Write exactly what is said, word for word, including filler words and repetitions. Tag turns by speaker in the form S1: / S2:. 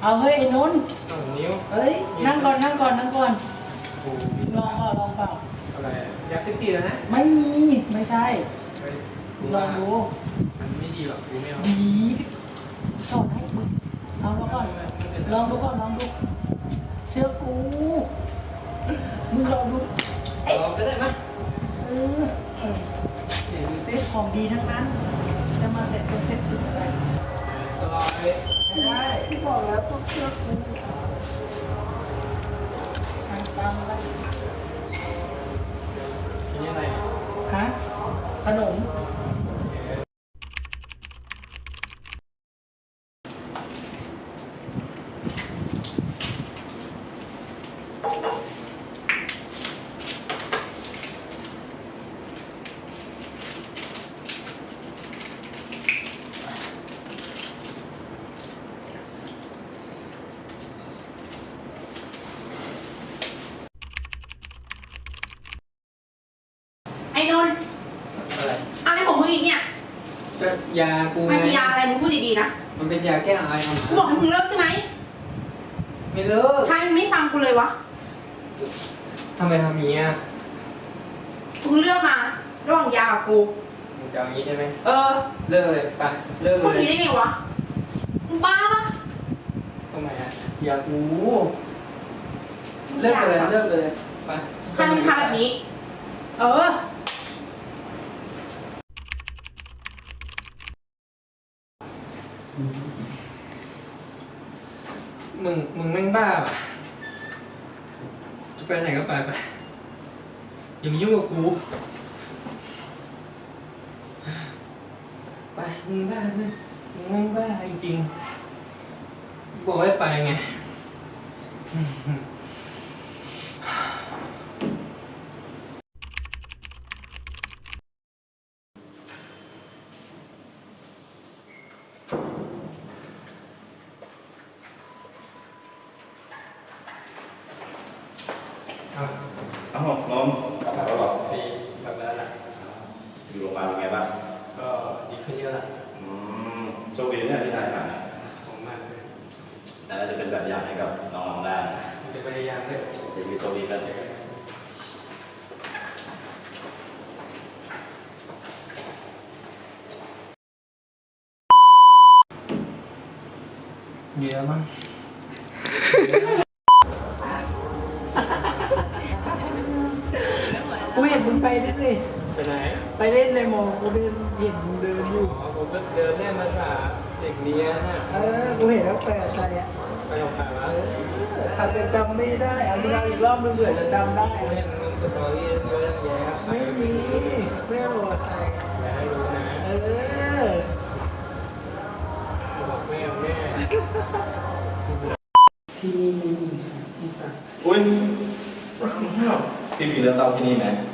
S1: เอาเฮ้ยไอ้นนท์
S2: สองนิ้ว
S1: เฮ้ยนั่งก่อนนั่งก่อนนั่งก่อนลองเปล่าลองเปล่า
S2: อะไรยาเสพติดแล้วนะ
S1: ไม่มีไม่ใช่ลองดู
S2: มันไม่ดีหรอกกูไม่เอา
S1: ดีสอนให้มึงเอาลองก่อนลองดูก่อนลองดูเชื่อกูมึงลองดู
S2: ลองก็ได้ไหม
S1: เออเดี๋ยวดูซิของดีทั้งนั้นจะมาเสร็จเป็นเสร็จติดอะไร
S2: ก็ลองเลย
S1: ได้ที่บอกแล้วต้องเชื่อกูทางตามอะไร
S2: นี่อะไร
S1: ฮะขนม
S3: ไอ้นนท์
S2: อะไร
S3: อะไรของมึงอีกเนี่ย
S2: ก็ยากู
S3: มันเป็นยาอะไรมึงพูดดีๆนะ
S2: มันเป็นยาแก้ไอเอามา
S3: กูบอกให้มึงเลิกใช่ไหม
S2: ไม่เลิก
S3: ใช่มึงไม่ฟังกูเลยวะ
S2: ทำไมทำอย่างนี้อ่ะ
S3: มึงเลือกมาระหว่างยากับกู
S2: มึงจะเอาอย่างนี้ใช่ไหม
S3: เออ
S2: เลิกเลยไปเลิกเลย
S3: พูดดีได้ไงวะมึงบ้าปะ
S2: ทำไมอ่ะยากูเลิกเลยเลิกเลยไป
S3: ให้มึงทำแบบนี้เออ
S2: มึงมึงแม่งบ้าป่ะจะไปไหนก็ไปไปอย่ามายุ่งกับกูไปมึงบ้าไหมมึงแม่งบ้าจริงๆบอกให้ไปไง
S4: อ้าวน้องกลับมาแล้วหรอ
S2: ฟรีกลับแล้วล่ะ
S4: อยู่โรงพยาบาลเป็นไงบ้าง
S2: ก็ดีขึ้นเยอะละ
S4: อืมโชคดีเนี่ยที่นายหาย
S2: ของมากเลย
S4: น่าจะเป็นแบบอย่างให้กับน้องๆได้
S2: จะพยายามเลย
S4: เสียชีวิตโชคดีกัน
S2: มีแล้วมั้ง
S1: กูเห็นมึงไปเล่นเลย
S2: ไปไหน
S1: ไปเล่นในมอกูเดินเห็นมึงเดินอยู่
S2: อ๋อผมก็เดินเล่นมาสาเด็กเนี้ยน่ะ
S1: เออกูเห็นแล้วไปกับใครอ่ะ
S2: ไปกับใครวะ
S1: อาจจะจำไม่ได้เอามึงเอาอีกรอบมึงเผื่อจะจำได้
S2: เห็นมึงสตอรี่เยอะแยะ
S1: ไม่มีไม่รู้ใคร
S2: อย่าให้รู้นะ
S1: เออ
S2: บอกแม่แม่
S1: ที่นี่มีที่สัก
S4: อุ้ยพี่มีเรื่องเล่าที่นี่ไหม